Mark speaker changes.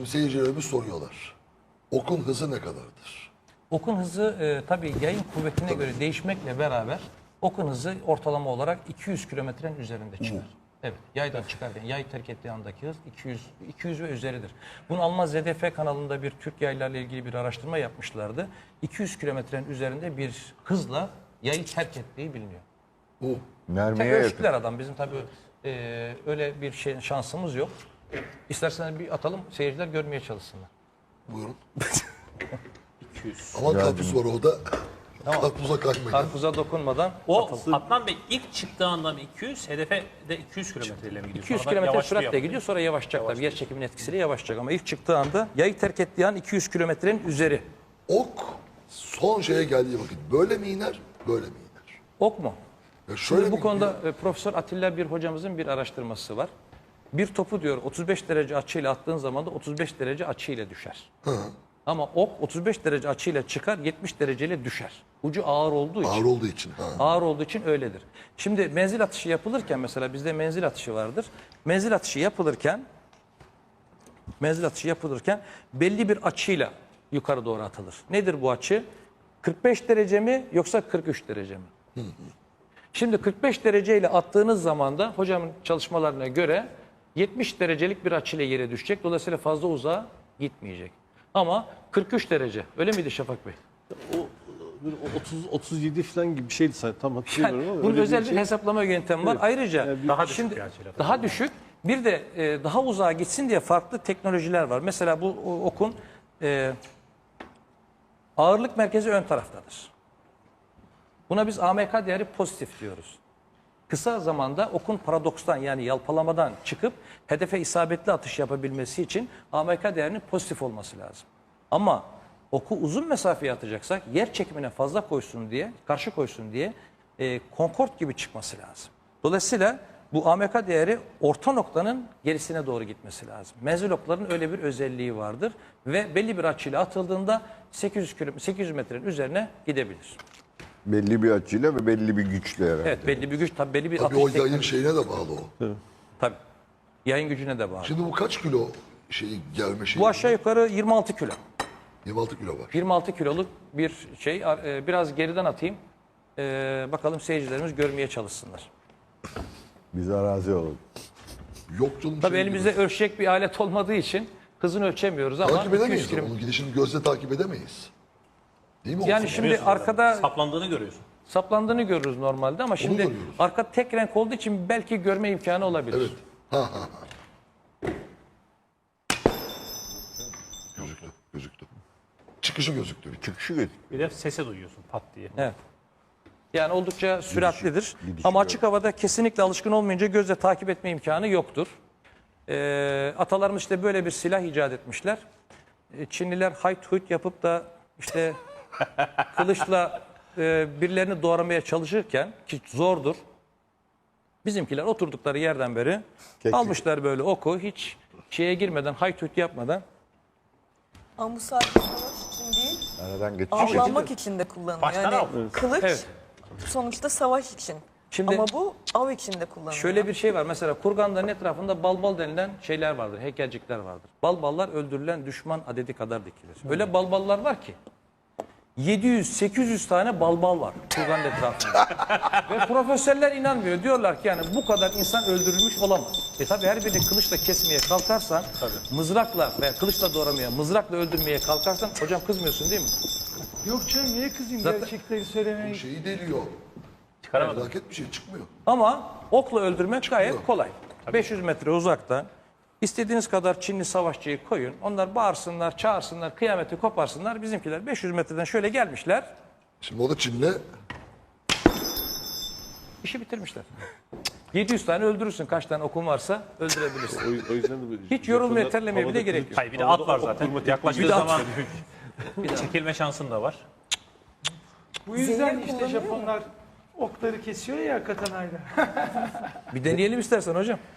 Speaker 1: Şimdi seyircilerimiz soruyorlar. Okun hızı ne kadardır?
Speaker 2: Okun hızı tabii yayın kuvvetine göre değişmekle beraber okun hızı ortalama olarak 200 kilometrenin üzerinde çıkar. Evet, yaydan çıkarken yay terk ettiği andaki hız 200 ve üzeridir. Bunu Alman ZDF kanalında bir Türk yaylarla ilgili bir araştırma yapmışlardı. 200 kilometrenin üzerinde bir hızla yayı terk ettiği biliniyor.
Speaker 1: Bu
Speaker 3: Mermiye yakın.
Speaker 2: Ölçtüler adam. Bizim tabii öyle bir şey şansımız yok. İsterseniz bir atalım, seyirciler görmeye çalışsınlar.
Speaker 1: buyurun.
Speaker 4: 200.
Speaker 1: Aman karpuz var orada. Karpuza kaçmayın.
Speaker 2: Karpuza dokunmadan
Speaker 4: O
Speaker 2: atalım.
Speaker 4: Adnan Bey ilk çıktığı andan 200, hedefe de 200 kilometreyle mi gidiyor?
Speaker 2: 200
Speaker 4: Sonra
Speaker 2: kilometre
Speaker 4: yavaşlıyor.
Speaker 2: süratle gidiyor, sonra yavaşlayacak tabii. Yer çekiminin etkisiyle yavaşlayacak ama ilk çıktığı anda, yayı terk ettiği an 200 kilometrenin üzeri.
Speaker 1: Ok son şeye geldiği vakit böyle mi iner, böyle mi iner?
Speaker 2: Ok mu?
Speaker 1: Ya şöyle
Speaker 2: Şimdi bu
Speaker 1: mi
Speaker 2: konuda Profesör Atilla bir hocamızın bir araştırması var. Bir topu diyor 35 derece açıyla attığın zaman da 35 derece açıyla düşer. Ama ok 35 derece açıyla çıkar, 70 dereceyle düşer. Ucu ağır olduğu için.
Speaker 1: Ağır olduğu için. Ha.
Speaker 2: Ağır olduğu için öyledir. Şimdi menzil atışı yapılırken mesela bizde menzil atışı vardır. Menzil atışı yapılırken belli bir açıyla yukarı doğru atılır. Nedir bu açı? 45 derece mi yoksa 43 derece mi? Şimdi 45 dereceyle attığınız zaman da hocamın çalışmalarına göre 70 derecelik bir açıyla yere düşecek. Dolayısıyla fazla uzağa gitmeyecek. Ama 43 derece. Öyle miydi Şafak Bey?
Speaker 5: O 30-37 falan gibi bir şeydi zaten tam hatırlamıyorum ama.
Speaker 2: Bunun
Speaker 5: öyle
Speaker 2: özel bir
Speaker 5: şey.
Speaker 2: hesaplama yöntemi var.
Speaker 5: Evet.
Speaker 2: Ayrıca
Speaker 5: Yani
Speaker 4: daha düşük
Speaker 2: şimdi
Speaker 4: bir açıyla.
Speaker 2: daha düşük. Bir de daha uzağa gitsin diye farklı teknolojiler var. Mesela bu okun ağırlık merkezi ön taraftadır. Buna biz AMK değeri pozitif diyoruz. Kısa zamanda okun paradokstan yani yalpalamadan çıkıp hedefe isabetli atış yapabilmesi için AMK değerinin pozitif olması lazım. Ama oku uzun mesafeye atacaksak yer çekimine fazla koysun diye, karşı koysun diye Concorde gibi çıkması lazım. Dolayısıyla bu AMK değeri orta noktanın gerisine doğru gitmesi lazım. Menzil okların öyle bir özelliği vardır ve belli bir açıyla atıldığında 800 metrenin üzerine gidebilir.
Speaker 3: Belli bir açıyla ve belli bir güçle herhalde.
Speaker 2: Evet, belli bir güç, tabii belli bir
Speaker 1: Tabii
Speaker 2: atış
Speaker 1: o yayın
Speaker 2: teknolojisi.
Speaker 1: şeyine de bağlı o.
Speaker 2: Tabii. Yayın gücüne de bağlı.
Speaker 1: Şimdi bu kaç kilo gelme şeyi?
Speaker 2: Bu aşağı yukarı 26 kilo.
Speaker 1: 26 kilo var.
Speaker 2: 26 kiloluk bir şey. Biraz geriden atayım. Bakalım seyircilerimiz görmeye çalışsınlar.
Speaker 3: Biz arazi olalım.
Speaker 1: Yok canım.
Speaker 2: Tabii
Speaker 1: şey
Speaker 2: elimizde
Speaker 1: gibi.
Speaker 2: ölçecek bir alet olmadığı için hızını ölçemiyoruz ama
Speaker 1: Takip
Speaker 2: 200
Speaker 1: edemeyiz.
Speaker 2: kilo.
Speaker 1: Onun gidişini gözle takip edemeyiz. Değil mi?
Speaker 2: Yani
Speaker 1: Olsun.
Speaker 2: şimdi arkada
Speaker 4: Saplandığını görüyorsun.
Speaker 2: saplandığını görürüz normalde ama şimdi
Speaker 1: görüyoruz.
Speaker 2: arka tek renk olduğu için belki görme imkanı olabilir.
Speaker 1: Evet. Ha. Gözüktü. Çıkışı gözüktü.
Speaker 3: Çıkışı götür.
Speaker 4: Bir de sese duyuyorsun pat diye.
Speaker 2: Evet. Yani oldukça süratlidir.
Speaker 3: gidişi
Speaker 2: Ama açık havada kesinlikle alışkın olmayınca gözle takip etme imkanı yoktur. Atalarımız işte böyle bir silah icat etmişler. Çinliler hayt huyt yapıp da işte kılıçla birilerini doğramaya çalışırken ki zordur. Bizimkiler oturdukları yerden beri almışlar böyle oku hiç şeye girmeden hayt huyt yapmadan.
Speaker 6: Ama bu sadece savaş için değil,
Speaker 3: Aradan geçiş.
Speaker 6: avlanmak için de kullanılıyor.
Speaker 4: Baştan
Speaker 6: Yani
Speaker 4: av.
Speaker 6: kılıç
Speaker 2: Evet.
Speaker 6: sonuçta savaş için.
Speaker 2: Şimdi
Speaker 6: Ama bu av için de kullanılıyor.
Speaker 2: şöyle bir şey var. Mesela kurganların etrafında balbal denilen şeyler vardır. Heykelcikler vardır. Balballar öldürülen düşman adedi kadar dikilir. Öyle balballar var ki 700-800 tane balbal var kurganın etrafında. Ve profesörler inanmıyor. Diyorlar ki yani bu kadar insan öldürülmüş olamaz. Tabi her birini kılıçla kesmeye kalkarsan, mızrakla veya kılıçla doğramaya, mızrakla öldürmeye kalkarsan, hocam kızmıyorsun değil mi?
Speaker 7: Yok canım niye kızayım
Speaker 2: Zaten-
Speaker 7: gerçekleri söylemeye?
Speaker 1: Şeyi deliyor.
Speaker 4: Çıkaramadım.
Speaker 1: Felaket bir şey çıkmıyor.
Speaker 2: Ama okla öldürmek gayet kolay. 500 metre uzakta istediğiniz kadar Çinli savaşçıyı koyun. Onlar bağırsınlar, çağırsınlar, kıyameti koparsınlar. Bizimkiler 500 metreden şöyle gelmişler,
Speaker 1: Şimdi o da Çin'le
Speaker 2: işi bitirmişler. 700 tane öldürürsün. Kaç tane okun varsa öldürebilirsin.
Speaker 5: O yüzden de böyle
Speaker 2: Hiç yorulmaya,
Speaker 5: Japonlar
Speaker 2: terlemeye bile
Speaker 5: havada
Speaker 2: gerek
Speaker 5: kılıç-
Speaker 2: yok.
Speaker 4: Hayır bir de at var
Speaker 5: havada
Speaker 4: zaten.
Speaker 5: okurma
Speaker 4: Yaklaştığı
Speaker 2: Bir de at
Speaker 4: zaman
Speaker 2: var.
Speaker 4: çekilme şansın da var.
Speaker 7: Bu yüzden
Speaker 6: Zehir
Speaker 7: işte
Speaker 6: kullanıyor
Speaker 7: Japonlar okları kesiyor ya katanayla.
Speaker 2: Bir deneyelim istersen hocam.